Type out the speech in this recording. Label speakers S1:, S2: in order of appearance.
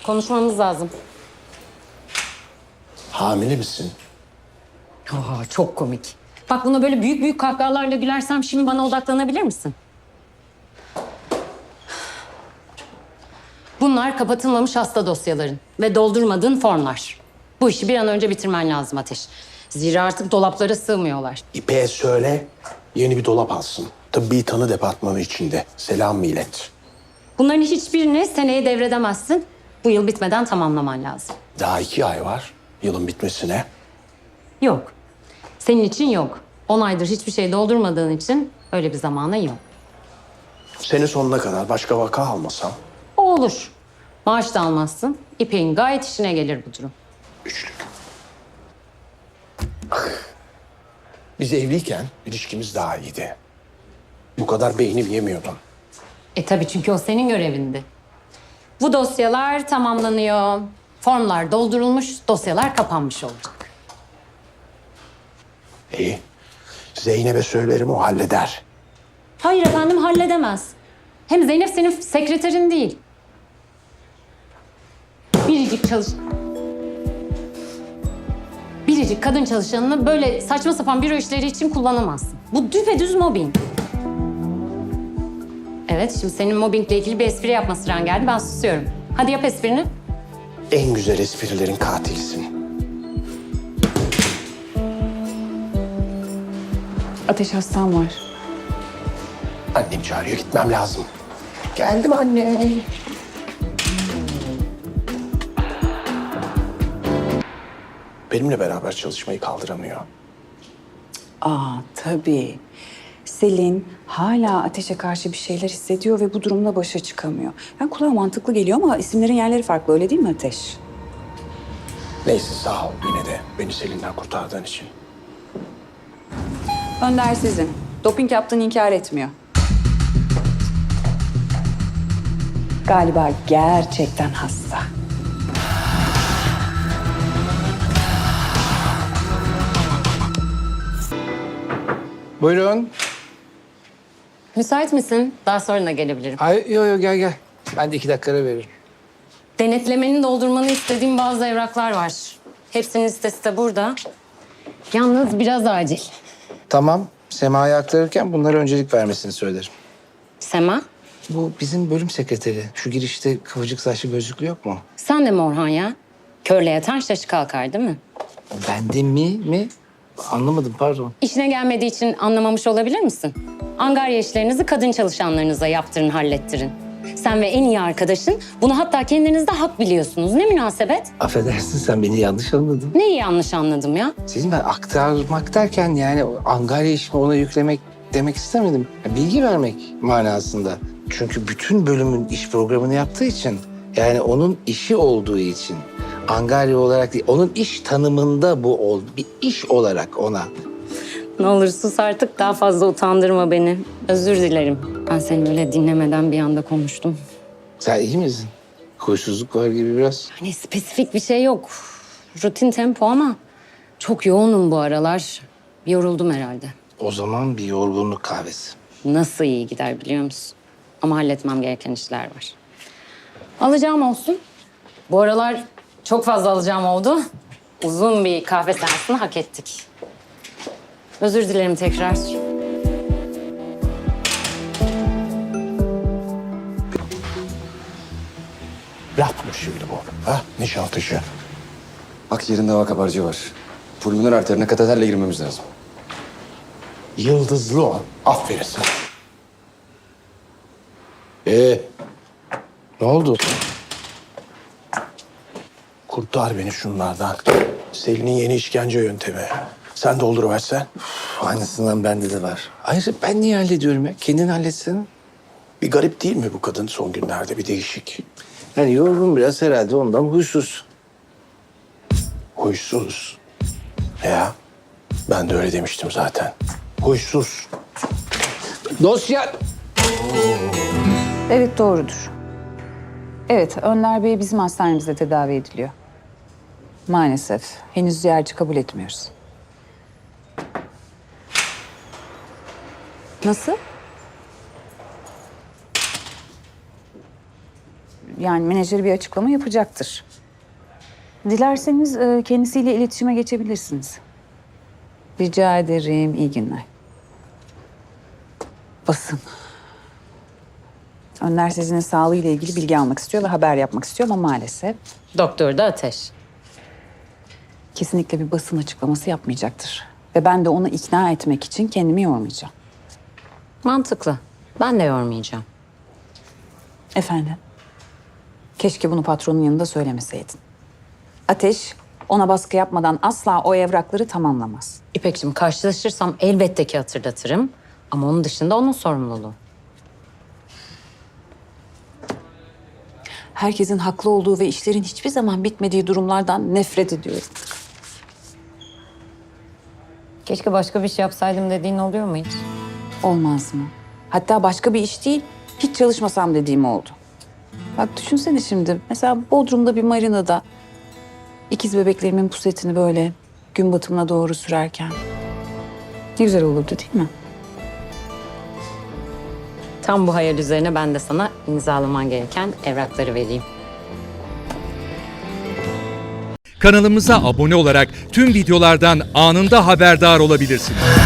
S1: Konuşmamız lazım.
S2: Hamile misin?
S1: Aa, çok komik. Bak buna böyle büyük büyük kahkahalarla gülersem şimdi bana odaklanabilir misin? Bunlar kapatılmamış hasta dosyaların ve doldurmadığın formlar. Bu işi bir an önce bitirmen lazım Ateş. Zira artık dolaplara sığmıyorlar.
S2: İpek'e söyle, yeni bir dolap alsın. Tıbbi tanı departmanı içinde. Selam millet.
S1: Bunların hiçbirini seneye devredemezsin. Bu yıl bitmeden tamamlaman lazım.
S2: Daha 2 ay var yılın bitmesine.
S1: Yok. Senin için yok. 10 aydır hiçbir şey doldurmadığın için öyle bir zamana yok.
S2: Sene sonuna kadar başka vaka almasam
S1: O olur. Maaş da almazsın. İpek'in gayet işine gelir bu durum.
S2: üçlük. Biz evliyken ilişkimiz daha iyiydi. Bu kadar beynim yemiyordum.
S1: Tabii çünkü o senin görevindi. Bu dosyalar tamamlanıyor. Formlar doldurulmuş, dosyalar kapanmış olacak.
S2: İyi. Zeynep'e söylerim, o halleder.
S1: Hayır efendim, halledemez. Hem Zeynep senin sekreterin değil. Biricik kadın çalışanını böyle saçma sapan büro işleri için kullanamazsın. Bu düpedüz mobbing. Evet, şimdi senin mobbingle ilgili bir espri yapma sıran geldi. Ben susuyorum. Hadi yap esprini.
S2: En güzel esprilerin katilisin.
S3: Ateş hastam var.
S2: Annem çağırıyor, gitmem lazım. Geldim anne. Benimle beraber çalışmayı kaldıramıyor.
S3: Tabii. Selin hala Ateş'e karşı bir şeyler hissediyor ve bu durumla başa çıkamıyor. Yani kulağa mantıklı geliyor ama isimlerin yerleri farklı, öyle değil mi Ateş?
S2: Neyse, sağ ol yine de beni Selin'den kurtardığın için.
S3: Önder sizin. Doping yaptığını inkar etmiyor. Galiba gerçekten hasta.
S4: Buyurun.
S1: Müsait misin? Daha sonra da gelebilirim.
S4: Ay, yo gel. Ben de 2 dakikada veririm.
S1: Denetlemeni doldurmanı istediğim bazı evraklar var. Hepsinin listesi de burada. Yalnız biraz acil.
S4: Tamam. Sema'ya aktarırken bunlara öncelik vermesini söylerim.
S1: Sema,
S4: Bu bizim bölüm sekreteri. Şu girişte kıvırcık saçlı gözlüklü yok mu?
S1: sen de mi Orhan ya? Körle yatan şaşı kalkar değil mi?
S4: Bende mi? Anlamadım, pardon.
S1: İşine gelmediği için anlamamış olabilir misin? Angarya işlerinizi kadın çalışanlarınıza yaptırın, hallettirin. Sen ve en iyi arkadaşın bunu hatta kendiniz de hak biliyorsunuz. Ne münasebet?
S4: Affedersin, sen beni yanlış anladın.
S1: Neyi yanlış anladım ya?
S4: Sizin ben aktarmak derken yani o Angarya işimi ona yüklemek demek istemedim. Bilgi vermek manasında. Çünkü bütün bölümün iş programını yaptığı için, yani onun işi olduğu için, Angarya olarak değil, onun iş tanımında bu oldu. Bir iş olarak ona.
S1: Ne olur sus artık, daha fazla utandırma beni. Özür dilerim. Ben seni öyle dinlemeden bir anda konuştum.
S4: Sen iyi misin? Huysuzluk var gibi biraz.
S1: Hani spesifik bir şey yok. Rutin tempo ama çok yoğunum bu aralar. Yoruldum herhalde.
S4: O zaman bir yorgunluk kahvesi.
S1: Nasıl iyi gider biliyor musun? Ama halletmem gereken işler var. Alacağım olsun. Bu aralar çok fazla alacağım oldu. Uzun bir kahve seansını hak ettik. Özür dilerim tekrar.
S2: Laf mı şimdi bu? Ha? Nişantaşı.
S5: Akciğerinde hava kabarcığı var. Pulmoner arterine kateterle girmemiz lazım.
S2: Yıldızlı o. Aferin sana.
S4: Ne oldu?
S2: Kurtar beni şunlardan. Selin'in yeni işkence yöntemi. Sen dolduruversen.
S4: Aynısından bende de var. Ayrıca ben niye hallediyorum ya? Kendin halletsen.
S2: Bir garip değil mi bu kadın son günlerde? Bir değişik.
S4: Yani yorgun biraz herhalde, ondan huysuz.
S2: Huysuz. Ya ben de öyle demiştim zaten. Huysuz.
S4: Dosya...
S3: Evet, doğrudur. Evet, Önder Bey bizim hastanemizde tedavi ediliyor. Maalesef henüz ziyaretçi kabul etmiyoruz. Nasıl? Yani menajeri bir açıklama yapacaktır. Dilerseniz kendisiyle iletişime geçebilirsiniz. Rica ederim. İyi günler. Basın. Önder Sezin'in sağlığıyla ilgili bilgi almak istiyor ve haber yapmak istiyor ama maalesef
S1: Doktor da Ateş.
S3: kesinlikle bir basın açıklaması yapmayacaktır. Ve ben de onu ikna etmek için kendimi yormayacağım.
S1: Mantıklı. Ben de yormayacağım.
S3: Efendim? Keşke bunu patronun yanında söylemeseydin. Ateş ona baskı yapmadan asla o evrakları tamamlamaz.
S1: İpek'cim karşılaşırsam elbette ki hatırlatırım. Ama onun dışında onun sorumluluğu.
S3: Herkesin haklı olduğu ve işlerin hiçbir zaman bitmediği durumlardan nefret ediyorum.
S1: Keşke başka bir şey yapsaydım dediğin oluyor mu hiç?
S3: Olmaz mı? Hatta başka bir iş değil, hiç çalışmasam dediğim oldu. Bak düşünsene şimdi, mesela Bodrum'da bir marinada ikiz bebeklerimin pusetini böyle gün batımına doğru sürerken. Ne güzel olurdu değil mi?
S1: Tam bu hayal üzerine ben de sana imzalaman gereken evrakları vereyim.
S6: Kanalımıza abone olarak tüm videolardan anında haberdar olabilirsiniz.